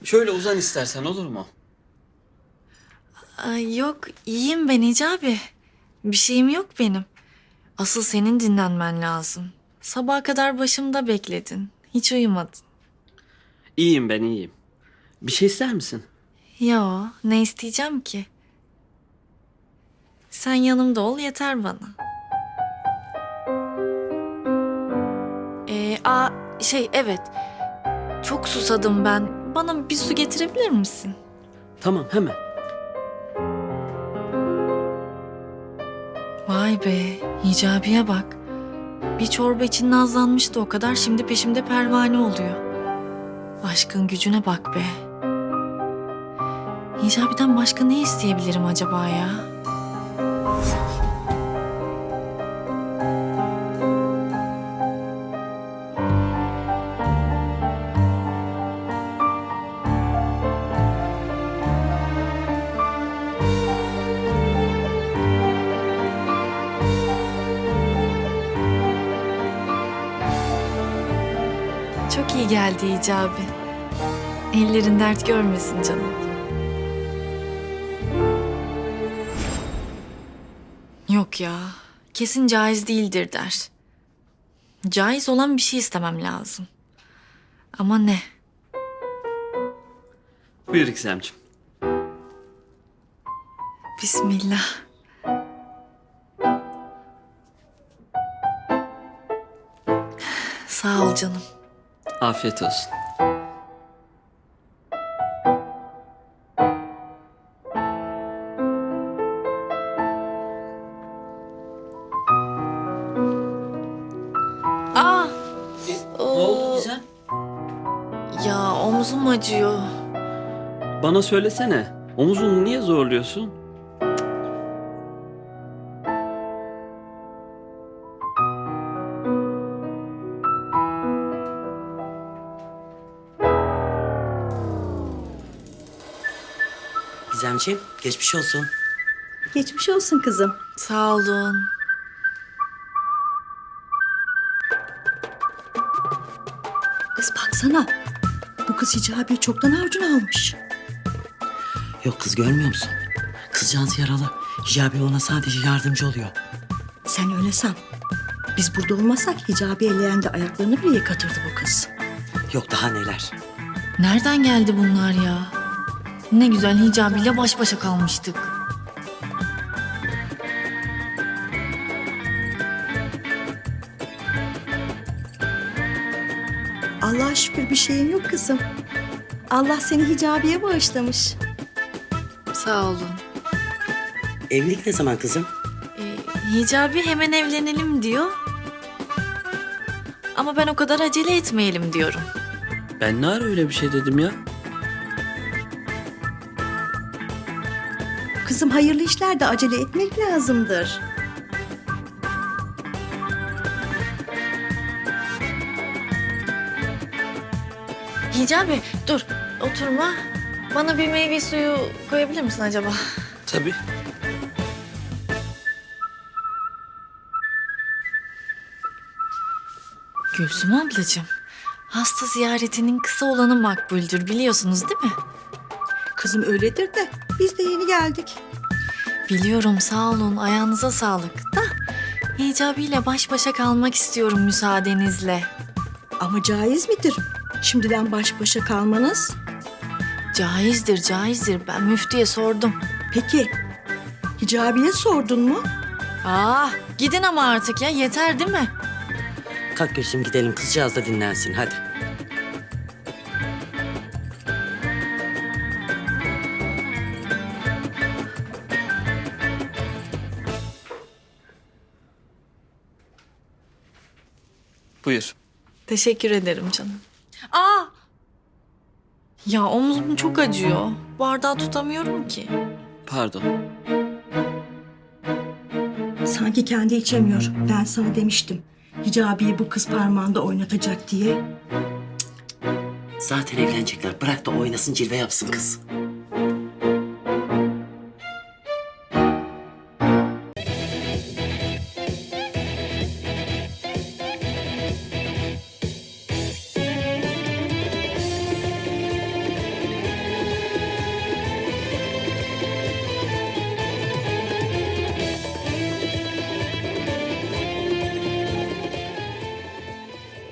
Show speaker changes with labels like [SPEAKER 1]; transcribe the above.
[SPEAKER 1] Şöyle uzan istersen, olur mu?
[SPEAKER 2] Ay, yok iyiyim ben Hicabi. Bir şeyim yok benim. Asıl senin dinlenmen lazım. Sabaha kadar başımda bekledin. Hiç uyumadın.
[SPEAKER 1] İyiyim, ben iyiyim. Bir şey ister misin?
[SPEAKER 2] Yo, ne isteyeceğim ki? Sen yanımda ol yeter bana. Evet. Çok susadım ben. Bana bir su getirebilir misin?
[SPEAKER 1] Tamam, hemen.
[SPEAKER 2] Vay be, Hicabi'ye bak. Bir çorba için nazlanmıştı o kadar, şimdi peşimde pervane oluyor. Aşkın gücüne bak be. Hicabi'den başka ne isteyebilirim acaba ya? Çok iyi geldi Hicabi. Ellerin dert görmesin canım. Yok ya, kesin caiz değildir der. Caiz olan bir şey istemem lazım. Ama ne?
[SPEAKER 1] Buyur İkizemciğim.
[SPEAKER 2] Bismillah. Sağ ol canım.
[SPEAKER 1] Afiyet olsun.
[SPEAKER 2] Aa,
[SPEAKER 1] Ne oldu Gizem?
[SPEAKER 2] ya omzum acıyor.
[SPEAKER 1] Bana söylesene. Omuzunu niye zorluyorsun?
[SPEAKER 3] Gizemciğim, geçmiş olsun.
[SPEAKER 4] Geçmiş olsun kızım.
[SPEAKER 2] Sağ olun.
[SPEAKER 4] Kız baksana. Bu kız Hicabi'yi çoktan harcını almış.
[SPEAKER 3] Yok kız, görmüyor musun? Kızcağız yaralı. Hicabi ona sadece yardımcı oluyor.
[SPEAKER 4] Sen öyle san. Biz burada olmasak Hicabi eleğinde ayaklarını bile yıkatırdı bu kız.
[SPEAKER 3] Yok daha neler.
[SPEAKER 2] Nereden geldi bunlar ya? Ne güzel Hicabi'yle baş başa kalmıştık.
[SPEAKER 4] Allah'a şükür bir şeyin yok kızım. Allah seni Hicabi'ye bağışlamış.
[SPEAKER 2] Sağ olun.
[SPEAKER 3] Evlilik ne zaman kızım?
[SPEAKER 2] Hicabi hemen evlenelim diyor. Ama ben o kadar acele etmeyelim diyorum.
[SPEAKER 1] Ben ne ara öyle bir şey dedim ya?
[SPEAKER 4] Kızım hayırlı işlerde acele etmek lazımdır.
[SPEAKER 2] Hicabi dur oturma. Bana bir meyve suyu koyabilir misin acaba?
[SPEAKER 1] Tabii.
[SPEAKER 2] Gülsüm ablacığım, hasta ziyaretinin kısa olanı makbuldür biliyorsunuz değil mi?
[SPEAKER 4] Kızım öyledir de biz de yeni geldik.
[SPEAKER 2] Biliyorum sağ olun ayağınıza sağlık da Hicabi ile baş başa kalmak istiyorum müsaadenizle.
[SPEAKER 4] Ama caiz midir? Şimdiden baş başa kalmanız.
[SPEAKER 2] Caizdir caizdir ben müftüye sordum.
[SPEAKER 4] Peki Hicabi'ye sordun mu?
[SPEAKER 2] Gidin ama artık ya yeter değil mi?
[SPEAKER 3] Kalk Gülsüm, gidelim. Kızcağız da dinlensin hadi.
[SPEAKER 1] Buyur.
[SPEAKER 2] Teşekkür ederim canım. Ya omzum çok acıyor. Bardağı tutamıyorum ki.
[SPEAKER 1] Pardon.
[SPEAKER 4] Sanki kendi içemiyor. Ben sana demiştim. Hicabi'yi bu kız parmağında oynatacak diye.
[SPEAKER 3] Zaten evlenecekler. Bırak da oynasın, cilve yapsın kız.